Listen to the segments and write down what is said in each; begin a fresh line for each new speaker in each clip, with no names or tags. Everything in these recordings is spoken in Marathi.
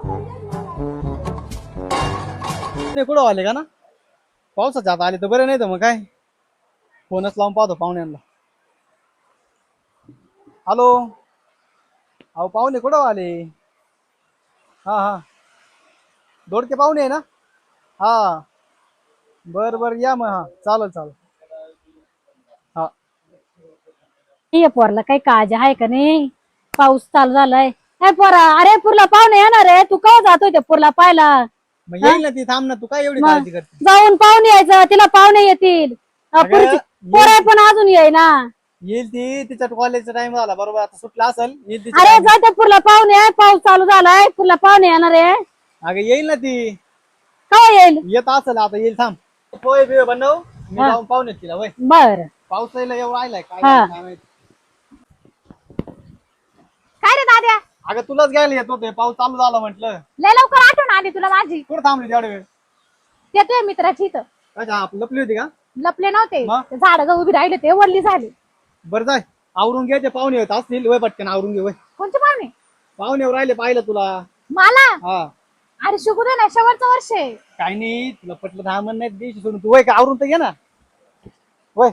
कुठं आले का ना पावसाच्या आता आले तर बरं, नाही तर मग काय फोनच लावून पाहतो पाहुण्यांना. हॅलो, अहो पाहुणे कुठं आले? हा हा, दोडके पाहुणे आहे ना? हा, बर बर या मग. हा चालेल चालेल. हा
ये पोरला काही काळजी आहे का नाही? पाऊस चालू झालाय. काय पोरा, अरे पुरला पाहुणे येणार आहे, तू केव्हा जातोय ते पुरला पाहायला?
मग
हा?
येईल ना ती, थांब ना, तू काय एवढी
मग
काळजी करते?
जाऊन पाहुणे यायचं, तिला पाहुणे येतील.
अगं
पुढची
येईल
पोरं पण अजून येई ना.
येईल ती, तिच्या कॉलेजचा टाइम झाला बरोबर, आता सुटला असेल, येईल तिच्या
अरे
टाइम.
जाते पुरला पाहुणे, पाऊस चालू झालाय, पुरला पाहुणे येणार आहे.
अगं येईल ना ती,
केव्हा येईल?
येत असेल आता, येईल थांब. पोहे बिहे बनव, मी
हा
जाऊन पाहुणे तिला. वय
बर.
पाऊस यायला एवढं राहिलाय, काय
हा.
झालं काय माहिती.
काय रे दाद्या,
अगं तुलाच घ्यायला येत होते, पाऊस चालू झाला म्हटलं.
लय लवकर आठवण आली तुला माझी.
कुठं थांबली तेवढ्या वेळ?
ते तुझ्या मित्राची इथं
अच्छा, लपली होती का?
लपले नव्हते,
मग?
ते झाड उभी राहिले ते वरली झाली.
बरं जाय, आवरून घ्यायचे, पाहुणे येत असतील. वय पटकन आवरून घे. वय
कोणते पाहुणे?
पाहुणे राहिले, पाहिलं तुला.
मला?
हा,
अरे शिकू दे ना, शेवटचं वर्ष आहे.
काही नाही, तुला पटलं दहा म्हण नाही दिवशी सोडून. तू वय का आवरून तर घे ना. वय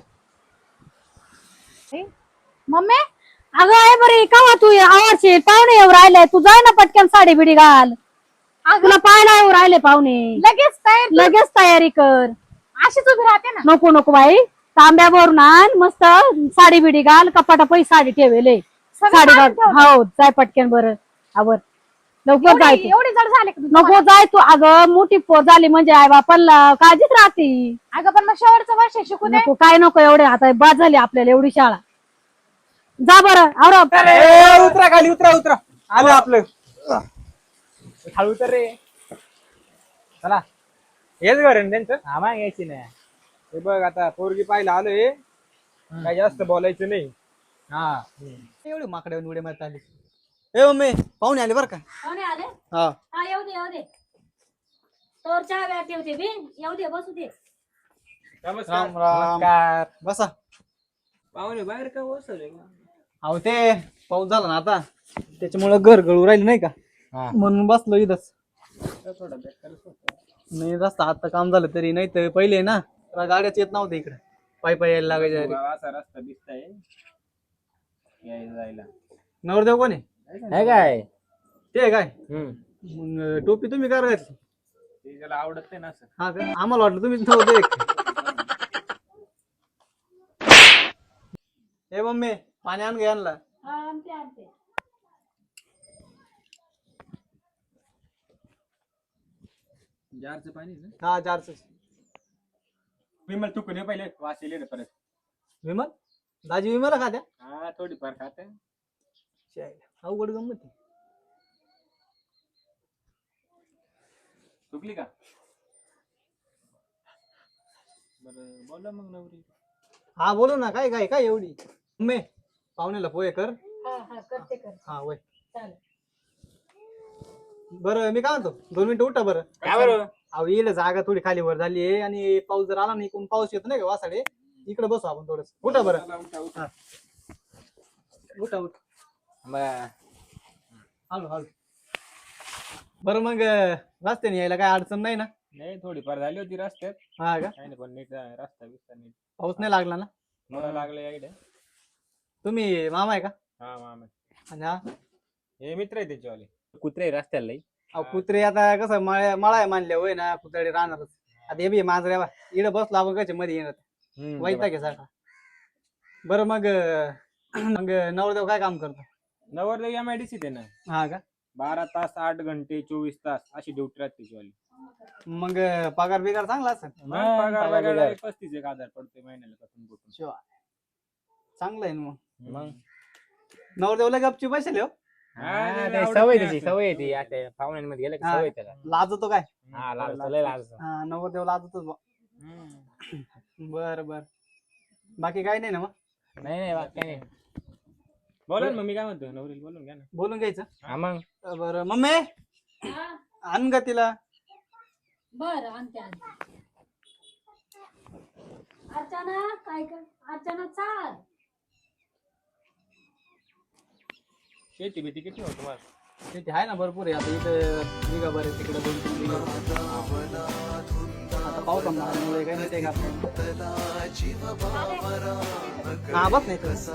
मम्मी, अगं आहे बरी का तू आवडशील, पाहुणे येऊ राहिले, तू जाय ना पटकन साडी बिडी घाल. तुला पाहायला येऊ राहिले पाहुणे. लगेच तयारी कर. अशीच उभी राहते ना. नको नको बाई, तांब्यावरून आण, मस्त साडी बिडी घाल, कपाटा पैसे साडी ठेवेले, साडी घाल. हो जाय पटकन, बरं आवर लवकर जाय. एवढी जड झाले नको जाय तू, अगं मोठी पोर झाली म्हणजे आई बापाला काळजीच राहते. अगं पण मग शेवटचं वर्ष शिकू दे. नको काय नको, एवढे आता बाद झाली आपल्याला एवढी शाळा. जा बरं आवर.
उतरा खाली, उतरा उतरा, आलं आपलं. खाली उतर रे. चला, हेच घर आहे ना त्यांचं? हा, मग यायची नाही. हे बघ आता पोरगी पाहिला आलोय, काही जास्त बोलायचं नाही. हा, एवढे माकडे उडे मारत आली. ए मम्मी, पाहुणे आले बरं का?
पाहुणे आले?
हा,
हा येऊ दे येऊ दे, तोर चहा व्या ठेवते बी, येऊ दे बसू दे.
राम राम. नमस्कार, बसा.
पाहुणे बाहेर का बसवले?
अहो ते पाऊस झाला ना आता, त्याच्यामुळे घर गळू राहिले नाही का, म्हणून बसलो इथंच.
थोडा बेकारच होता.
नाही रस्ता आता काम झालं तरी, नाही तर पहिले ना गाड्याच येत नव्हत्या इकडे, पायी पायी यायला लागायचे.
असा रस्ता दिसताय यायला जायला.
नवरदेव कोण आहे?
काय
ते आहे काय? मग टोपी तुम्ही काय घातली?
ते त्याला आवडत नाही ना असं.
हा का, आम्हाला वाटलं तुम्ही नवरदेव आहे. हे मम्मी, पाणी आण घे आणला.
आणते आणते.
जारचं पाणी ना.
हा जारच.
विमल चुकून ये पहिले वास येईल परत.
विमल दाजी विमल खात्या?
हा थोडीफार खाते.
अवघड गंमत आहे.
चुकली का? बरं बोला मग नवरी.
हा बोलू ना, काय काय काय एवढी. मम्मी पाहुण्याला पोहे कर.
हा हा करते कर.
हा वय.
चालेल.
बरं मी काय म्हणतो, 2 मिनिटं उठा बरं.
काय बरं?
अहो येईल जागा थोडी खाली वर झाली आहे, आणि पाऊस जर आला नाही, कोण पाऊस येतो नाही का वासाडे, इकडे बसू आपण थोडस. उठा बरं. हा. उठा उठा. हळू हळू. बरं मग रस्त्याने यायला काय अडचण नाही ना?
नाही थोडीफार झाली होती रस्त्यात.
हा का?
काही नाही पण नीट रस्ता बिस्ता नीट.
पाऊस नाही लागला ना?
मला लागलं याकडे.
तुम्ही मामा आहे का?
हा मामा.
आणि हा
हे मित्र आहे त्याच्यावाले. कुत्रे रस्त्याला लई.
अहो कुत्रे आता कसं मळा आहे मानले होय ना, कुत्रे राहणारच. आता हे बी मांजरे बा इकडे बसलो आपण कशा मध्ये येणार, वैताग आहे सारखा. बरं मग मग नवरदेव काय काम करतो?
नवरदेव MIDC आहे ना.
हा का?
12 तास 8 घंटे 24 तास अशी ड्युटी राहते त्याच्यावाली.
मग पगार बिगार चांगला असेल?
पगार वगैरे 35,000 पडते महिन्याला पासून कुठून.
शिवा चांगलं आहे ना.
मग
नवरदेवला गपची बसले हो.
सवय त्याची सवय येते आता पाहुण्यांमध्ये गेलं की सवय त्याला.
लाजतो काय?
हा लाज.
हा नवरदेव लाजतोच बा. बर बर, बाकी काय नाही ना? मग
नाही बाकी नाही. बोला ना मग, मी काय म्हणतो नवरीला बोलून घ्या ना.
बोलून घ्यायचं.
हा मग
बरं मम्मी आण ग तिला.
बर आणते आणते. अर्चना काय कर, अर्चना चाल.
शेती किती होत तुम्हाला?
शेती आहे ना भरपूर आहे. आता इथं बिगा बरे तिकडे 2-3 बिघा. आता पावसामुळे काही नाही ते हा बस नाही तर.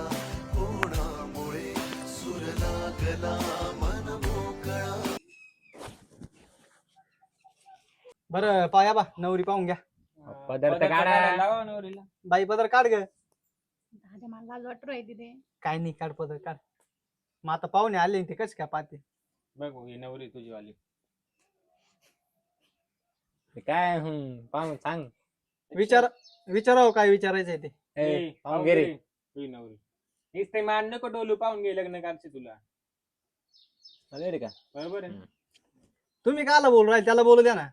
बरं पाया बा नवरी पाहून घ्या.
पदार्थ काढा.
लावा नवरीला.
बाई पदर काढ ग.
दादा मला लाज वाटू राहिली तिथे.
काय नाही काढ पदर काढ. मग आता पाहुणे आले ते कस काय पाहते.
बघ ही नवरी तुझी वाली.
ते काय पाहून सांग.
विचारावं काय विचारायचंय ते.
ए, पाहून घे रे.
तुझी नवरी. हेच ते मान नको डोलू पाहून घे लग्न करते तुला.
चालेल रे का?
बरोबर आहे.
तुम्ही काला बोलू राहिले त्याला बोलू द्या ना.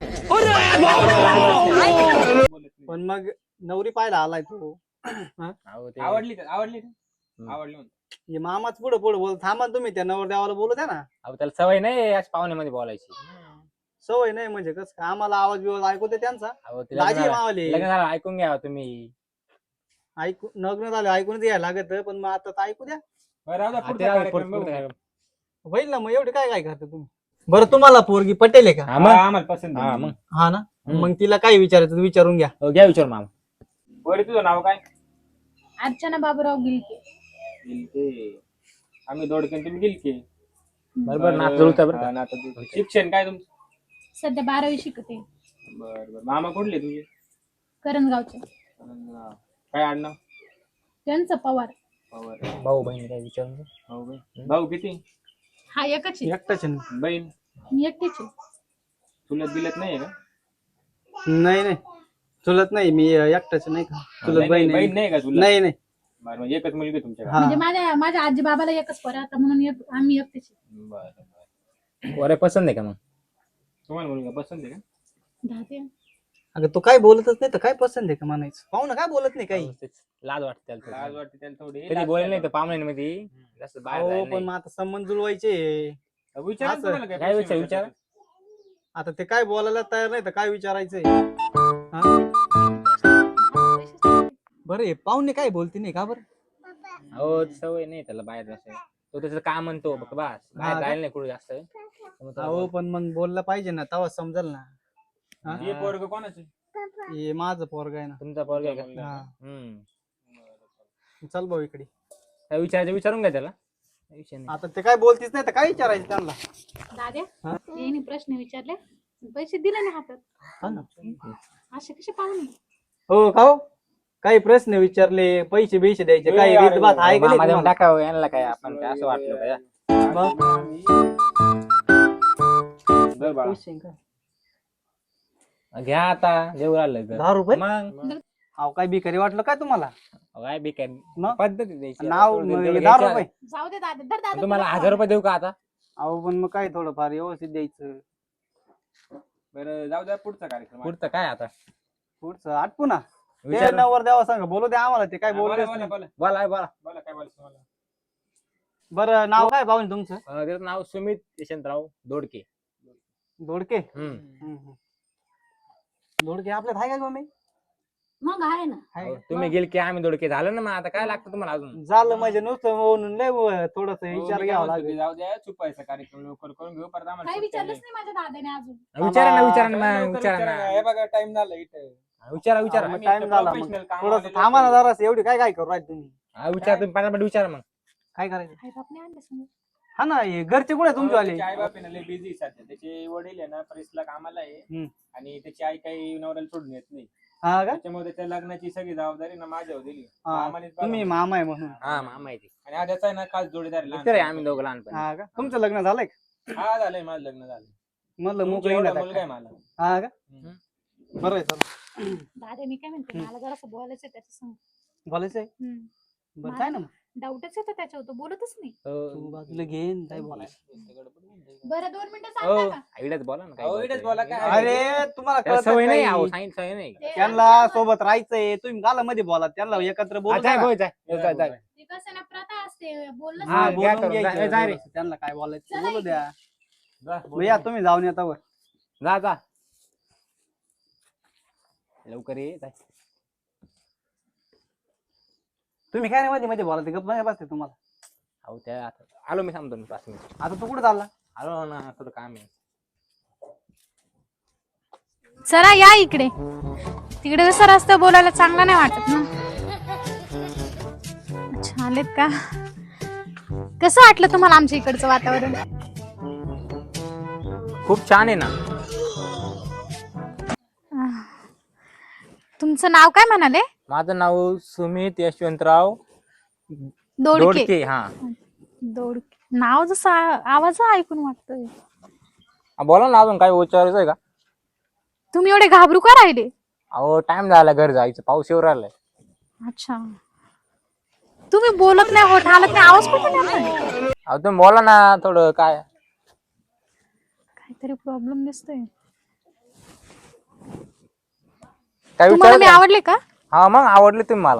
बोलत नाही.
पण मग नवरी पाहायला आलाय तू.
अहो, ते-
आवडली का? आवडली का?
हम्म.
आवडली म्हणतो.
हे मामाच पुढे पुढे बोल थांबा तुम्ही त्या नवर देवाला बोलू द्या ना.
अहो त्याला सवय नाही अशा पाहुण्यामध्ये बोलायची.
सवय नाही म्हणजे कस काय आम्हाला आवाज बिवाज ऐकू दे त्यांचा.
अहो ते
दाजी मावले
लग्न झालं ऐकून घ्या तुम्ही.
ऐकू लग्न झालं ऐकूनच यायला लागत पण मग आता तर ऐकू द्या.
बरं राहू द्या,
हा,
पुढचा
ते राहू दे,
कार्यक्रम
पुढचं
बघू.
कार्यक्रम.
होईल ना मग एवढे काय काय करता तुम्ही. बरं तुम्हाला पोरगी पटेल आहे का.
हा, मग.
हा, आम्हाला पसंत
हा,
आहे.
मग.
हा ना
हम्म.
मग तिला काय विचारायचं विचारून घ्या.
हो, घ्या विचार मामा.
बरं तुझं नाव काय?
अर्चना बाबूराव गिलके.
गिलके. आम्ही दोडके तुम्ही गिलके.
बरोबर नाच जुळतं बरं
हा,
का?
नातं जुळतं. शिक्षण काय तुमचं?
सध्या 12वी शिकते.
बरं बरं. मामा कुठले तुझे?
करंजगावचे.
काय आडनाव?
त्यांचं पवार.
पवार.
भाऊ बहीण काय विचारून घे.
भाऊ बहीण. भाऊ किती?
हा एकच आहे.
एकटाच आहे ना.
बहीण
मी एकटीच आहे.
चुलत बिलत नाहीये का?
नाही नाही चुलत नाही मी एकटाच नाही का. चुलत बहीण
बहीण
आहे.
नाही का तुला?
नाही नाही
बरं म्हणजे एकच मुलगी आहे तुमच्याकडे.
हा.
म्हणजे माझ्या आजी बाबाला एकच पोर आता म्हणून आम्ही एकटीच आहे.
बरं बरं.
वरे पसंत आहे का मग?
तुम्हाला मुलगा पसंत आहे का?
दहा
अगं तो काय बोलतच नाही तर काय पसंत आहे का म्हणायचं. पाहू ना काय बोलत नाही काही.
अहो, तेच लाज वाटते त्याला थोडी.
लाज वाटते त्याला थोडी.
कधी बोलले नाही तर पाहुण्यांमध्ये जास्त बाहेर
हो
जायला
पण मग
नाही.
आता संबंध जुळवायचे.
विचारा
असं.
तुम्हाला
काय
प्रश्न
विचार?
विचारायचा?
आता ते काय बोलायला तयार नाही तर काय विचारायचंय. हा? बरं हे पाहुणे काय बोलते नाही का बरं.
अहो सवय नाही त्याला बाहेर जायचं. तो त्याचं काम म्हणतो बस बाहेर
का?
जायला नाही कुठे जास्त. त्यामुळे त्याला
हो पण मग बोललं पाहिजे ना तेव्हा समजेल ना. हा?
हे पोरग कोणाचं?
हे माझं पोरग आहे ना.
तुमचा पोरगा आहे का?
हा.
हम्म.
चल भाऊ इकडे.
काय विचारायचं विचारून घ्या त्याला. काही विषय नाही.
आता ते काय बोलतीच नाही तर काय विचारायचं त्यांना.
दाद्या
हा?
यांनी प्रश्न विचारले पैसे दिले नाही हातात.
हा ना.
असे कसे पाहुणे.
हो का हो? काही प्रश्न विचारले पैसे बिशे द्यायचे
ए,
काही
अरे,
रीत बात आहे का नाही
मामा देऊन
तुम्हाला?
टाकावं यांना काय आपण काय असं वाटलं का?
मग?
दर बाळा.
पैसे का?
घ्या आता देऊ राहिलं तर.
10 रुपये
मग
अहो काय बिकारी वाटलं काय तुम्हाला.
काय बेकार
मग?
पद्धत आहे द्यायची.
नाव
थोडं तेवढं
10
घ्यायचं.
रुपये.
जाऊ दे दादा दर दादा
तुम्हाला
तुला
1000 रुपये देऊ का आता?
अहो पण मग काय थोडंफार व्यवस्थित द्यायचं.
बरं जाऊ द्या पुढचा कार्यक्रम.
पुढचं काय आता?
पुढचं आटपू ना. ते
विचार
नवर द्यावा सांग बोलू द्या आम्हाला ते काय
बोला
बोललेच
बोला
नाही.
बोला
बोला बोला.
बोला काय बोलायचं तुम्हाला?
बरं नाव काय पाहुणे तुमचं.
त्याचं नाव सुमित यशवंतराव दोडके.
दोडके.
हम्म.
दोडके आपल्यात आहे का कोणी.
मग आहे ना.
आहे
अहो,
का?
तुम्ही गेल की आम्ही दोडके झालं ना मग आता काय लागतं तुम्हाला अजून?
झालं म्हणजे नुसतं म्हणून लय थोडस
हो,
विचार
मी काय
घ्यावा
म्हणतो
लागेल.
की जाऊ द्या चुपायचा कार्यक्रम लवकर करून घेऊ परत आम्हाला
काही
सुट्ट्या
विचारलंच
नाही.
नाही माझ्या दादाने अजून.
विचारा ना विचारा ना
लवकर
मग, विचारा
विचारा.
ना
हे बघा टाइम झाला इथे.
विचारा विचारा.
आम्ही
टाइम
इथं
झाला मग.
professional कामाला
थोडस
आलेलो
थांबा ना
आहे.
जरास एवढी काय काय करू राहिले तुम्ही.
हा, विचारा तुम्ही पाण्यामध्ये विचारा मग.
काय करायचं.
आई बापने आणले समोर.
हा ना हे घरचे कुठे तुमचे आले.
त्याचे आई बाप आहे ना लय बिझी सध्या. त्याचे वडील आहे ना प्रेसला कामाला आहे
हम्म.
आणि त्याची आई काही नवऱ्याला सोडून येत नाही.
हा का
त्याच्यामुळे त्याच्या लग्नाची सगळी जबाबदारी ना माझ्यावर दिली.
हा,
आम्हालाच बघावं.
तुम्ही मामा आहे म्हणून.
हा मामा आहे ते.
आणि हा त्याचा आहे ना खास जोडीदार आहे
मित्र आहे
लहानपणी.
आम्ही दोघं लहानपणी.
हा का तुमचं लग्न झालंय का.
हा झालंय माझं लग्न झालं.
म्हणलं
तुमच्या
मोकळी
एवढा
नाही
मुलगा आहे
का?
मला.
हा का
हम्म.
बरं आहे चला.
दादा मी काय म्हणते मला जरासं बोलायचं त्याच्या संग.
बोलायचंय बरं काय ना मग.
डाऊटच येतो त्याच्यावर तो बोलतच नाही.
तू बाजूला घेन काय बोलायचं.
बरं 2 मिनिटं
हो
सांगता का.
आईलाच बोला ना काय
अहो, इकडेच
बोलायचं.
बोला काय.
अरे तुम्हाला
त्याला
कळतं
सवय नाही
काही?
अहो सांगितलं सवय नाही.
ते
त्यांना सोबत राहायचंय तुम्ही गालामध्ये बोला त्यांना एकत्र बोलू
हा, जाय
द्या.
बोल, जाय. जाय, जाय.
ते कसं ना प्रथा असते बोलणं
हा,
हा,
घ्या
बोलून
करून.
घ्यायचं.
जाय रे.
त्यांना काय बोलायचं
चला
बोलू द्या.
जा,
भैया तुम्ही जाऊन येता वर.
जा जा लवकर ये जाय.
तुम्ही काय नाही मध्ये मध्ये बोला ते गप्प नाही बसते तुम्हाला.
अहो त्या आलो मी सांगतो 5 मिनिट.
आता तू कुठे चालला.
आलो ना थोडं काम आहे.
चला या इकडे. तिकडे कसं रस्ता बोलायला चांगला नाही वाटत ना. अच्छा आलेत का? कसं वाटलं तुम्हाला आमच्या इकडचं वातावरण?
खूप छान आहे ना.
तुमचं नाव काय म्हणाले?
माझं नाव सुमित यशवंतराव
दोडके.
दोडके. हा
दोडके नाव जसं आवाज ऐकून वाटतोय.
बोला ना, अजून काय विचारायचं आहे का?
तुम्ही एवढे घाबरू का राहिले?
अहो टाइम झाला घर जायचं, पाऊस येऊ राहिलाय.
अच्छा तुम्ही बोलत नाही, होत हालत नाही, आवाज कुठून येतोय?
अहो तुम्ही बोला ना थोडं. काय
काहीतरी प्रॉब्लेम दिसतोय.
काय
तुम्हाला मी
विचारायचं?
आवडले का?
हा मग आवडले तुम्ही मला.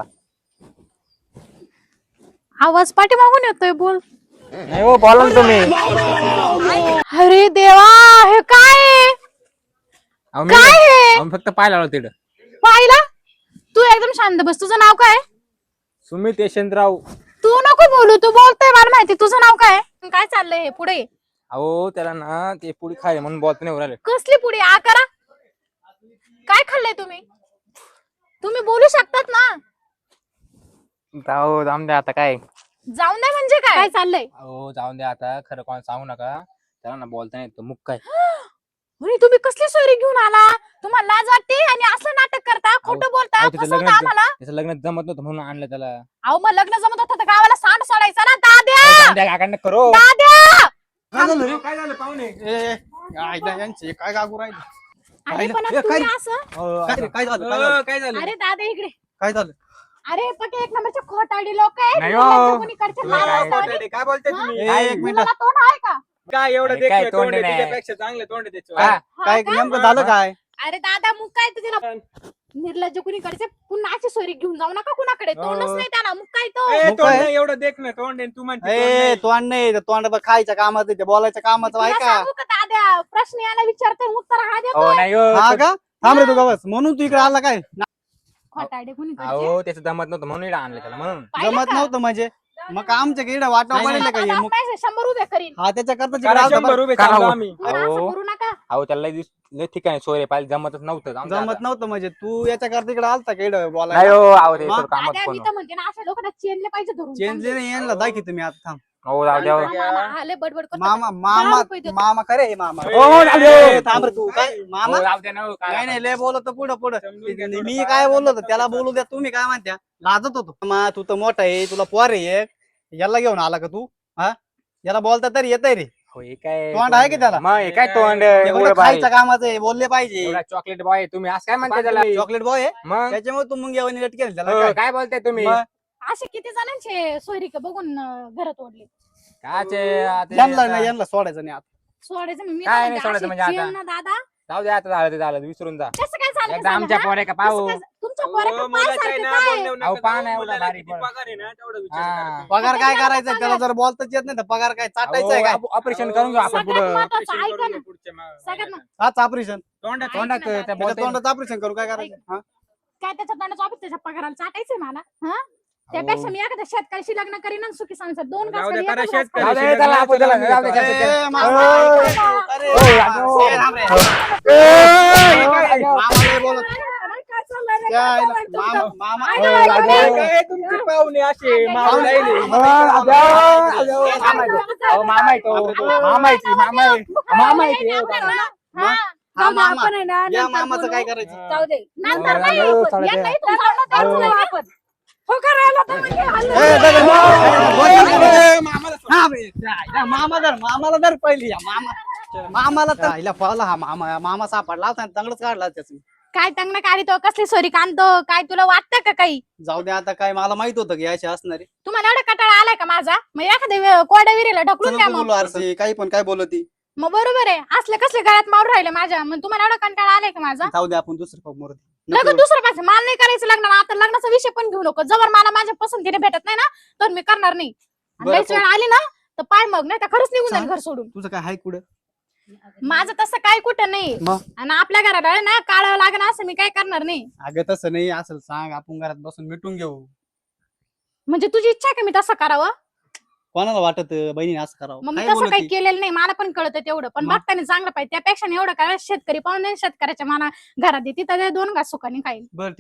आवाज पाठीमागून येतोय, बोल.
नाही हो, बोला ना तुम्ही.
अरे देवा, हे काय आहे?
अहो, मी
काय आहे?
आम्ही फक्त पाहायला आलो तिकडं.
पाहिला? तू एकदम शांत बस. तुझं नाव काय?
सुमित यशवंतराव.
तू नको बोलू, तू बोलतोय मला माहिती. तुझं नाव काय? काय चाललंय हे पुढे?
अहो त्याला ना ते पुढे खाय म्हणून बोलता नाही राहिले.
कसली पुढे? आ करा. काय खाल्लंय तुम्ही? तुम्ही बोलू शकतात ना.
अहो जाऊन द्या आता. काय
जाऊन नाही म्हणजे काय चाललंय?
अहो जाऊन द्या आता, खरं कोण सांगू नका. त्याला ना बोलता नाही येत, मुक काय.
अरे तुम्ही कसली सोयरी घेऊन आला? तुम्हाला लाज वाटते आणि असं नाटक करता, खोटं बोलता,
अहो, त्याचं
फसवता आम्हाला.
त्याचं लग्न जमत नव्हतं म्हणून आणलं त्याला.
अहो मग लग्न जमत होतं तर गावाला सांड सोडायचा ना. दाद्या,
जाऊन द्या, काकांना करो.
दाद्या.
काय झालं रे? काय झालं पाहुणे?
यांचे काय काकू राहिले?
अरे पण
काय-
तुम्ही असं.
काय झालं?
काय झालं?
अरे दादा इकडे.
काय झालं?
अरे पक्के एक नंबरचे खोटाडी लोक आहेत.
नाही हो.
मुलांच्या कुणीकडचे
तुम्ही
लाल
काय-
असतात आणि
काय बोलताय तुम्ही?
एक मिनिट.
मुलाला तोंड आहे का?
काय एवढं
अरे काय
देखणं
तोंड
तोंड आहे,
नाही.
तुझ्यापेक्षा चांगलं तोंड आहे त्याचं.
हा.
काय
का?
नेमकं झालं काय?
अरे दादा मुक काय तुझ्या निर्लज्ज कुणीकडचे पुन्हा अशी सोयरी घेऊन जाऊ नका कुणाकडे. तोंडच नाही त्याला. मुक काय तो?
ए,
मग
तोंड
काय?
नाही, एवढं देखणं तोंड आहे, तू म्हणते तोंड
ए
नाही.
तोंड नाही ते तोंड बघ, खायच्या कामाचं ते बोलायच्या कामाचं आहे
तुला
का?
सांगू का दाद्या, प्रश्न याला विचारतोय उत्तर हा
हो
देतोय.
नाही हो.
हा का? थांब रे तू का बस. म्हणून तू इकडे आला काय?
खोटाडे कुणीकडचे.
अहो त्याचं जमत नव्हतं म्हणून इकडं आणलं त्याला म्हणून.
पाहिलं
जमत
का?
नव्हतं म्हणजे मग आमच्या इकडे वाटावं
नाही,
पडेल का हे?
दादा,
मग
पैसे 100 उभे करीन.
हा त्याच्या करता
करा, 100 उभे
करा
चाललो
हो.
आम्ही.
तुम्ही असं
अहो.
करू नका.
अहो त्याला लय ठिकाणी सोयरे पाहिजे, जमतच नव्हतं. जाऊन द्या
जमत
आता.
नव्हतं म्हणजे तू याच्या करता इकडे आलता का इकडे
नाही
बोलायला?
हो. अहो ते
मग?
थोडं कामात
दाद्या,
कोण.
मी तर म्हणते ना, अशा लोकांना चेनले पाहिजे धरून.
चेंजले नाही यांना दाखी तुम्ही आता. थांब
हो जाऊ द्या.
मामा आले बडबड करतो.
मामा
10 रुपये देतो.
मामा करे हे मामा.
हो, जाऊ दे.
ए, थांब रे तू काय मामा
हो, जाऊ द्या ना हो, काय
नाही नाही लय बोलत पुढं पुढं
समजून घ्या
मी
थोडं.
काय बोललो होतो त्याला बोलू द्या. तुम्ही काय म्हणत्या? लाजत होतो मा तू तर मोठा आहे, तुला पोर आहे एक. याला घेऊन आला का तू? हा याला बोलता तरी येतय रे.
हो, हे काय
तोंड आहे की त्याला?
मग हे काय तोंड
एवढं
एवढं भारी.
खायच्या कामाचं आहे, बोलले पाहिजे.
एवढा चॉकलेट बॉय तुम्ही असं काय म्हणताय त्याला?
चॉकलेट बॉय आहे
मग
त्याच्यामुळे तू मुंग्या वणी लटकेल त्याला
हो,
काय?
काय बोलताय तुम्ही?
मग
असे किती जणांचे सोयरीक बघून घरात ओढले.
काचे आता-
यांना नाही यांना सोडायचं नाही आता.
सोडायचं मी
काय
तर
नाही
म्हणते,
सोडायचं
अशी
म्हणजे आता?
चेन ना दादा.
जाऊ द्या आता. झालं ते झालं, विसरून जा.
कसं काय झालं
एकदा
झालं,
आमच्या
हा?
पोरे का
कसं
पाहू.
काय- तुमच्या
हो,
पोराकडे
मुलाचं
पाय
आहे
सारखे
ना,
काय आहे?
बोलण्यावर
अहो,
नका
पाहा
जाऊ.
ना एवढा
मुलाला
भारी
किती
पण.
पगार आहे ना, तेवढा विचार
हा.
करा.
पगार काय
किती
करायचं
पगार?
त्याला जर बोलताच येत नाही तर पगार काय चाटायचं आहे काय?
अहो, ऑपरेशन करून घेऊ आपण
सगळ्यात
पुढं.
महत्त्वाचं
ऑपरेशन
ऐका
करून
ना.
घे पुढच्या
सगळ्यात
महिन्यात.
हाच ऑपरेशन
तोंडात
तोंडात
ऐक ना
त्या
दादा.
बोलताय ना.
तोंडाचं ऑपरेशन करू काय करायचं? हा?
काय त्याच्या तोंडाचं ऑफिस त्याच्या पगाराला चाटायचंय मला. हा त्यापेक्षा मी एखाद्या शेतकऱ्याशी लग्न करीन आणि सुखी संसार. दोन
जाऊ
घास
दे,
खाली,
करा
एकच घास
शेतकरी.
खाली.
जाऊ दे, त्याला आपण त्याला- जाऊ दे, जाऊ दे.
ए, मामा,
ओय.
ऐका तू. अरे,
ओय,
मामा, ए, थांब रे.
काय-
मामा नाही बोलत.
काय चाललंय रे?
काय
काय चाललंय तुमचं?
मामा
ऐका,
ओय,
ऐका,
जाऊ दे.
ऐका.
काय तुमचे पाहुणे असे मावळे
पाहुणे.
राहिले.
मामा आहे तो. मामा आहे ती, मामा आहे. मामा आहे ती.
हा,
हा,
जाऊ दे,
मामा.
आपण आहे ना,
या
नंतर
मामाचं
बोलू.
काय करायचं?
जाऊ दे. नंतर
हो,
नाही
हो,
आपण.
चालतंय.
यांना इथून जाऊन द्यायचं नाही आपण. हो करायला तर म्हणजे हल्लं.
ए, दगड, ए, मामाला सोड. हा, बे, या मामाला धर पहिली या मामाला तर हिला पळाला हा मामा सापडला होता आणि तंगडच काढला त्याचं.
काय तंगणं काढतो, कसली सोरी कांदतो, काय तुला वाटतं का काही?
जाऊ दे आता काय मला माहित होतं की अशी असणारी.
तुम्हाला एवढा कटाळा आलाय का माझा? मग एखाद्या कोरड्या विहिरीला ढकलून द्या
चल
मग.
बोलू आरसी काही पण काय बोलती.
मग बरोबर आहे. असले कसले गळ्यात मारून राहिले माझ्या. मग तुम्हाला एवढा कंटाळा आलाय का माझा?
जाऊ दे आपण दुसरं पग मोरती.
लग्न दुसरं पाहिजे. मला नाही करायचं लग्न. आता लग्नाचा विषय पण घेऊ नको. जवळ मला माझ्या पसंतीने भेटत नाही ना तर मी करणार नाही. आणि
बरं,
लयच वेळ आली ना तर पाय मग नाही तर खरंच निघून जाईल घर सोडून.
तुझं काय हाय कुठं?
माझं तसं काही कुठं नाही.
मग
आणि आपल्या घराला आहे ना काढावं लागणार असं मी काय करणार नाही.
अगं तसं नाही असेल सांग आपण घरात बसून मिटून घेऊ.
म्हणजे तुझी इच्छा आहे का मी तसं करावं?
कोणाला वाटत बहिणीने असं करावं
मग मी
काय
तसं
बोलत
काही
ती?
केलेलं नाही मला पण कळतं तेवढं पण
मग?
बघताना चांगलं पाहिजे त्यापेक्षा एवढं काय शेतकरी पाहून शेतकऱ्याच्या मना घरात आहे, तिथं ते 2 घास सुखाने खाईल
बरं